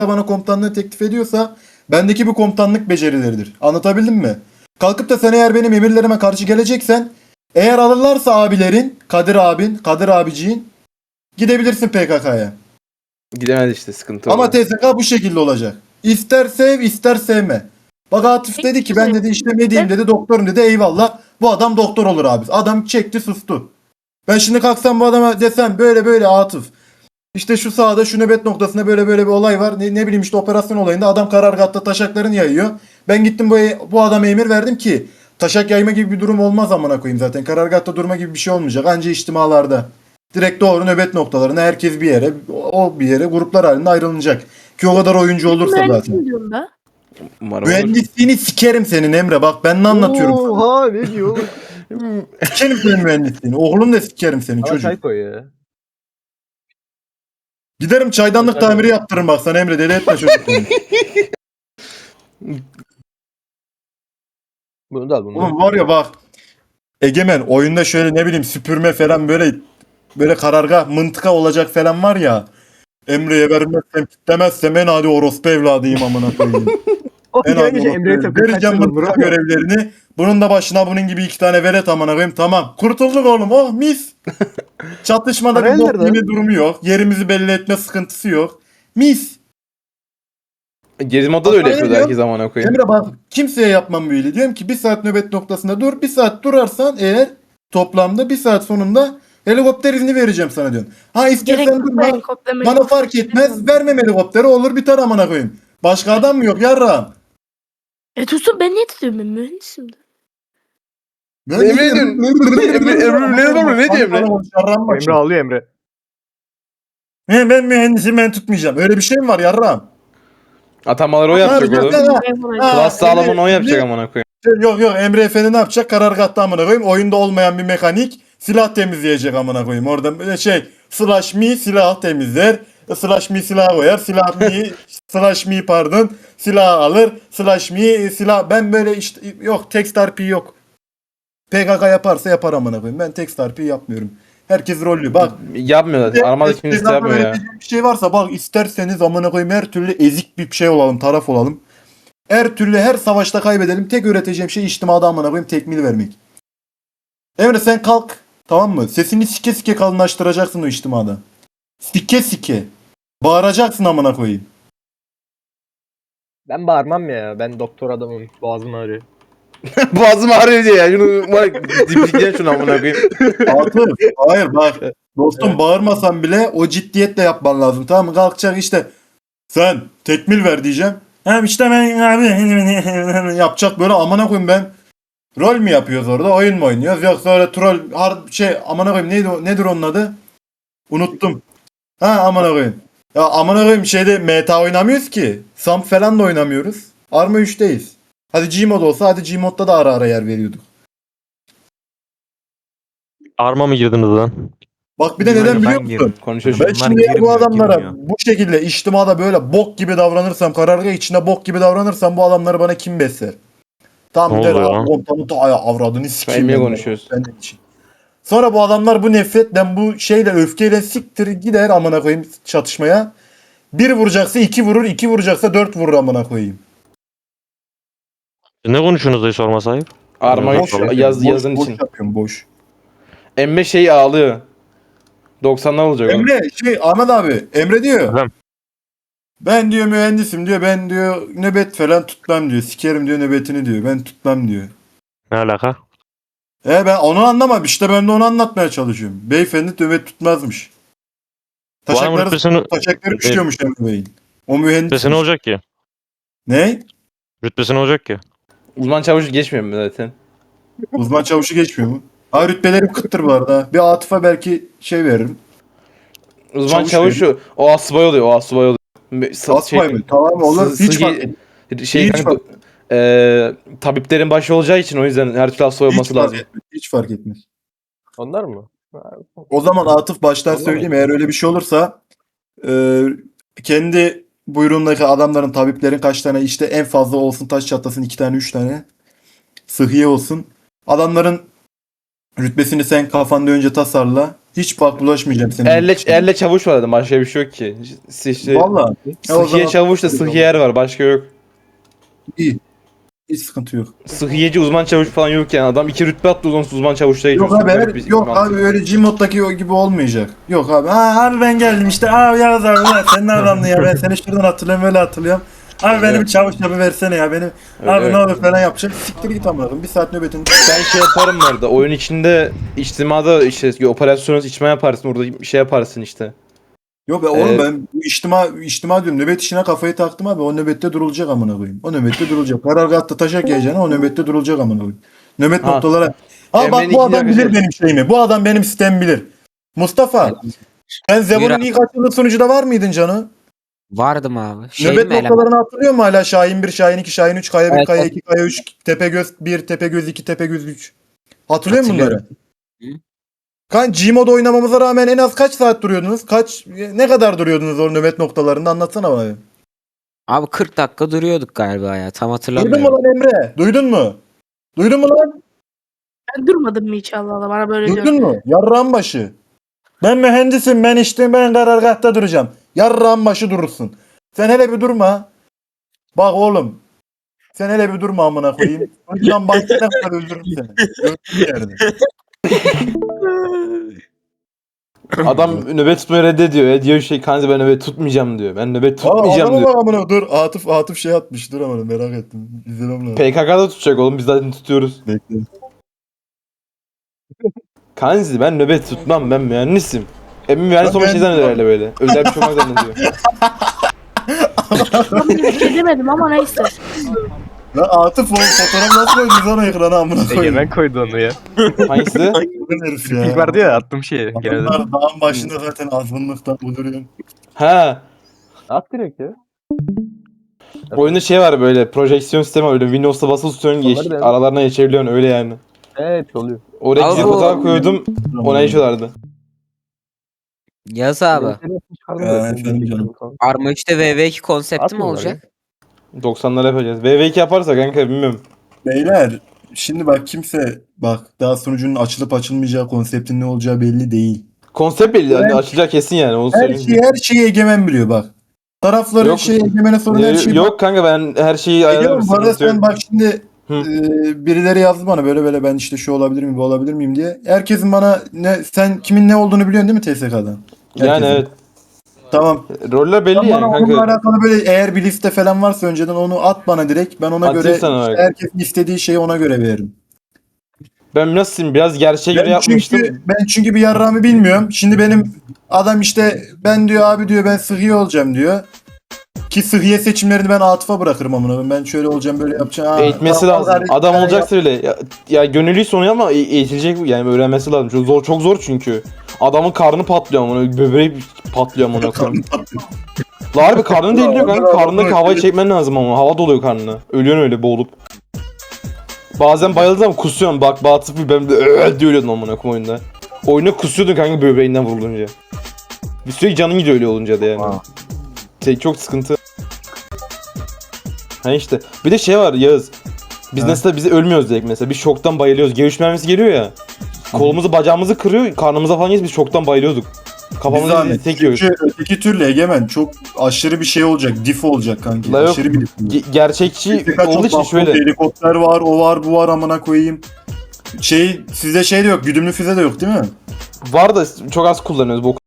bana komutanlığı teklif ediyorsa bendeki bu komutanlık becerileridir. Anlatabildim mi? Kalkıp da sen eğer benim emirlerime karşı geleceksen, eğer alırlarsa abilerin, Kadir abin, Kadir abiciğin, gidebilirsin PKK'ya. Gidemez işte, sıkıntı Ama orada. TSK bu şekilde olacak. İster sev ister sevme. Bak Atıf dedi ki ben dedi işte ne diyeyim dedi, doktorum dedi, eyvallah. Bu adam doktor olur abi. Adam çekti sustu. Ben şimdi kalksam bu adama desem böyle böyle Atıf, İşte şu sahada şu nöbet noktasında böyle böyle bir olay var. Ne bileyim işte operasyon olayında adam karargahta taşaklarını yayıyor. Ben gittim bu adama emir verdim ki taşak yayma gibi bir durum olmaz amına koyayım zaten. Karargahta durma gibi bir şey olmayacak. Anca içtimalarda. Direkt doğru nöbet noktalarına herkes bir yere, o bir yere gruplar halinde ayrılacak. Ki o kadar oyuncu olursa zaten. Mühendisim diyorum da. Umarım olur. Mühendisliğini sikerim senin Emre, bak ben ne anlatıyorum sana. Oha ne diyor oğlum? Sikerim senin mühendisliğini. Oğlum da sikerim senin Bana çocuk. çay koy ya. Giderim çaydanlık tamiri yaptırırım bak sana Emre, deli etme çocuk. Bunu da al bunu. Oğlum var ya bak. Egemen oyunda şöyle ne bileyim süpürme falan böyle karargah mıntıka olacak falan var ya. Emre'ye vermezsem kitlemezsem en hadi orospu evladıyım amına koyayım. O En hadi gelince Emre'ye orospu. takıyor. Vereceğim mıntıka görevlerini. Bunun da başına bunun gibi 2 tane velet amına koyayım, tamam. Kurtulduk oğlum, oh mis. Çatışmada bir Paralel bok nerede? gibi durumu yok. Yerimizi belli etme sıkıntısı yok. Mis. Gezi modda da öyle Bak, yapıyordu öyle herkes amına koyayım. Emre bak kimseye yapmam böyle. Diyorum ki 1 saat nöbet noktasında dur. 1 saat durarsan eğer toplamda 1 saat sonunda helikopter izni vereceğim sana diyorum. Ha Gerek istersen yok. durma. Helikopter Bana helikopter fark etmez. istemiyorum. Vermem helikopteri, olur biter amına koyayım. Başka adam mı yok yarrağım? Tutsun ben niye tutuyorum, ben mühendisim de. Ben Emre diyorsun. Emre ne diyor Emre? Yarrağım bak Emre şimdi. ağlıyor Emre. Ben mühendisim, ben tutmayacağım. Öyle bir şey mi var yarrağım? Atamaları o Ne yapacak yapacaksın oğlum. sen? Ha, Ha, Klas sağlamanı o Emre- yapacak amına koyayım. Yok Emre Efendi ne yapacak? Karargahta amına koyayım. Oyunda olmayan bir mekanik silah temizleyecek amına koyayım. Orada böyle slash me silah temizler. Slash me silah koyar. Silah me slash me pardon. Silah alır. Slash me silah. Ben böyle işte yok, text RP yok. PKK yaparsa yapar amına koyayım. Ben text RP yapmıyorum. Herkes rollü. Bak Yapmıyor zaten. Armada kimse yapmıyor ya. bir şey varsa bak, isterseniz amına koyayım her türlü ezik bir şey olalım, taraf olalım. Her türlü her savaşta kaybedelim. Tek öğreteceğim şey içtimada amına koyayım tekmil vermek. Emre sen kalk. Tamam mı? Sesini sike sike kalınlaştıracaksın o içtimada. Sike sike. Bağıracaksın amına koyayım. Ben bağırmam ya. Ben doktor adamım. Boğazım ağrıyor. Boğazım ağrıyor diye ya. Şunu bak diplicen şunu amına koyayım. Atıf. Hayır bak. Dostum bağırmasan bile o ciddiyetle yapman lazım. Tamam mı? Kalkacak işte. Sen tekmil ver diyeceğim. Hem işte ben abi yapacak böyle amına koyayım ben. Rol mü yapıyoruz orada? Oyun mu oynuyoruz? Yoksa öyle troll amına koyayım nedir onun adı? Unuttum. Ha amına koyayım. Ya amına koyayım meta oynamıyoruz ki. Samp falan da oynamıyoruz. Arma 3'teyiz. Hadi Gmod olsa, hadi Gmod'da da ara ara yer veriyorduk. Arma mı girdiniz lan? Bak bir de neden biliyor musun? Konuşuyor Ben şu. şimdi bu adamlara bu şekilde içtimada böyle bok gibi davranırsam, karargah içinde bok gibi davranırsam bu adamları bana kim besler? Tam Ne der oluyor lan? komutanı ta avradını sikeyim. Emre'ye ben konuşuyoruz. senin için. Sonra bu adamlar bu nefretle, bu öfkeyle siktir gider amına koyayım çatışmaya. 1 vuracaksa 2 vurur, 2 vuracaksa 4 vurur amına koyayım. Ne konuşuyorsunuz diye sorma sahip. Arma Boş 3 ver, yazın boş için. yapıyorum boş. Emre ağlıyor. 90'lar olacak oğlum. Emre Ahmet abi Emre diyor. Efendim? Ben diyor mühendisim diyor, ben diyor nöbet falan tutmam diyor. Sikerim diyor nöbetini diyor. Ben tutmam diyor. Ne alaka? Ben onu anlamam. İşte ben de onu anlatmaya çalışıyorum. Beyefendi nöbet tutmazmış. Bu adamın rütbesini, Taşakları pişiyormuş Emre Bey'in. O mühendis. rütbesi ne olacak ki? Ne? Rütbesi ne olacak ki? Uzman çavuş geçmiyor mu zaten? Uzman çavuşu geçmiyor mu? Ha rütbelerim kıttır bu arada. Bir Atıf'a belki veririm. Uzman Çavuş çavuş o asubay oluyor. O asubay oluyor. Asmay mı? Tamam olur. Hiç fark etmez. Hiç kanka, tabiplerin başı olacağı için o yüzden her türlü asubay olması lazım. Hiç fark etmez. Onlar mı? O zaman Atıf baştan Anlamadım. söyleyeyim. Eğer öyle bir şey olursa kendi buyruğundaki adamların, tabiplerin kaç tane işte en fazla olsun taş çatlasın 2 tane 3 tane sıhhiye olsun. Adamların rütbesini sen kafanda önce tasarla. Hiç bak bulaşmayacağım senin. Elle çavuş var dedim. Başka bir şey yok ki. İşte Valla. Ya o Sıhhiye zaman- çavuş da sıhhiyer var. Başka yok. İyi. Hiç sıkıntı yok. Sıhhiyeci uzman çavuş falan yok yani. Adam 2 rütbe atlıyor onsuz uzman çavuşta Yok geçiyorsun. abi, Böyle bir yok mantık. abi öyle Gmod'daki o gibi olmayacak. Yok abi. Abi ben geldim işte. Abi Yağız abi ya sen ne adamdın ya, ben seni şuradan hatırlıyorum böyle hatırlıyorum. Abi benim Evet. çavuş yapı versene ya benim. Öyle, abi evet. ne olur falan yapacak. Siktir git amına koyayım. Bir saat nöbetin. Ben şey yaparım orada. Oyun içinde içtimada işte operasyonuz içme yaparsın. Orada bir şey yaparsın işte. Yok be oğlum, Evet. ben bu içtima diyorum. Nöbet işine kafayı taktım abi. O nöbette durulacak amına koyayım. O nöbette durulacak. Karargahta taşak yiyeceğine o nöbette durulacak amına koyayım. Nöbet Ha. noktalara. Ha Emre'nin bak bu ikinci adam bilir arkadaşı. benim şeyimi. Bu adam benim sistemi bilir. Mustafa. Sen Zebo'nun abi. ilk açıldığı sunucuda var mıydın canı? Vardım abi. Nöbet mi eleman? noktalarını hatırlıyor musun hala? Şahin 1, Şahin 2, Şahin 3, Kaya 1, Evet, Kaya evet. 2, Kaya 3, Tepegöz 1, Tepegöz 2, Tepegöz 3. Hatırlıyor musun bunları? Hatırlıyorum. Kan Gmod oynamamıza rağmen en az kaç saat duruyordunuz? Ne kadar duruyordunuz o nöbet noktalarında? Anlatsana bana. Abi 40 dakika duruyorduk galiba ya. Tam Duydun mu hatırlamıyorum. lan Emre? Duydun mu? Duydun mu lan? Ben durmadım mı hiç Allah Allah bana böyle diyor. Duydun mu? Yarrağın başı. Ben mühendisim, ben karargahta duracağım. Yarrağın başı durursun. Sen hele bir durma. Bak oğlum. Sen hele bir durma amına koyayım. Ucundan bahsine kadar öldürürüm seni. Öldürürüm yerde. Adam nöbet tutmayı reddediyor ya. Diyor şey kanka ben nöbet tutmayacağım diyor. Ben nöbet Aa, tutmayacağım adama diyor. bak amına. Dur Atıf şey atmış. Dur amına, merak ettim. İzlemem lazım. PKK'da tutacak oğlum biz zaten tutuyoruz. Bekle. Kanzi ben nöbet tutmam ben mühendisim. Emin mühendis Ben olma şey mühendisim zannediyor herhalde böyle. Özel bir şey olmak zannediyor. Ben bir şey demedim ama neyse. Lan Atıf oğlum fotoğraf nasıl koydun sana ekrana amına koyayım. Egemen koydu onu ya. Hangisi? Ulan herif ya. İlk vardı ya attım şeye. Genelde. Adamlar dağın başında zaten azınlıktan uyduruyor. Ha. At direkt ya. Oyunda şey var böyle projeksiyon sistemi var öyle Windows'ta basılı tutuyorsun Onları da- aralarına geçebiliyorsun öyle yani. Evet oluyor. Oraya Abi gizli bu- fotoğraf koydum ona geçiyorlardı. Yaz abi. Efendim canım. Arma 3'te VV2 konsepti mi Atmıyorlar olacak? 90'lar yapacağız. VV2 yaparsa kanka bilmiyorum. Beyler şimdi bak kimse bak daha sunucunun açılıp açılmayacağı konseptin ne olacağı belli değil. Konsept belli yani Evet. açılacak kesin yani onu söyleyeyim. Her şeyi Egemen biliyor bak. Tarafların Yok. Egemen'e sorun her şeyi. Yok kanka ben her şeyi ayarlarım. Biliyorum, bu arada sıkıntı yok. sen bak şimdi Hı. birileri yazdı bana böyle ben işte şu olabilir miyim bu olabilir miyim diye. Herkesin bana sen kimin ne olduğunu biliyorsun değil mi TSK'dan? Yani Herkesin. evet. Tamam. Roller belli Bana yani onunla kanka. alakalı böyle eğer bir liste falan varsa önceden onu at bana direkt. Ben ona Atayım göre sana bak. herkesin istediği şeyi ona göre veririm. Ben nasıl biraz gerçeğe göre yapmıştım. Ben çünkü bir yarrağımı bilmiyorum. Şimdi benim adam işte ben diyor abi diyor ben sıhhiye olacağım diyor. Ki sıhhiye seçimlerini ben Atıf'a bırakırım amına koyayım. Ben şöyle olacağım böyle yapacağım. Aa, Eğitmesi tamam, lazım. kardeşim, Adam ben olacaksa öyle. Ya gönüllüyse onu ama eğitilecek yani öğrenmesi lazım. Çok zor çünkü. Adamın karnı patlıyor ama böbreği patlıyor ama koyayım. La harbi karnı deliriyor kanka. Karnındaki havayı çekmen lazım ama. Hava doluyor karnına. Ölüyorsun öyle boğulup. Bazen bayıldın ama kusuyorsun. Bak Batıf bir ben de diye ölüyordun amına koyayım oyunda. Oyuna kusuyordun kanka böbreğinden vurulunca. Bir sürekli canın gidiyor öyle olunca da yani. Çok sıkıntı. Ha işte. Bir de şey var Yağız. Biz Ha. mesela biz ölmüyoruz direkt mesela. Biz şoktan bayılıyoruz. G3 mermisi geliyor ya. Kolumuzu bacağımızı kırıyor. Karnımıza falan geliyor. Biz şoktan bayılıyorduk. Bir Kafamızı zahmet. tekiyoruz. Çünkü öteki türlü Egemen çok aşırı bir şey olacak. Dif olacak kanki. La yok. Aşırı bir dif. Gerçekçi Birkaç olduğu için çok şöyle. helikopter var, o var, bu var amına koyayım. Sizde şey de yok, güdümlü füze de yok değil mi? Var da çok az kullanıyoruz. Bu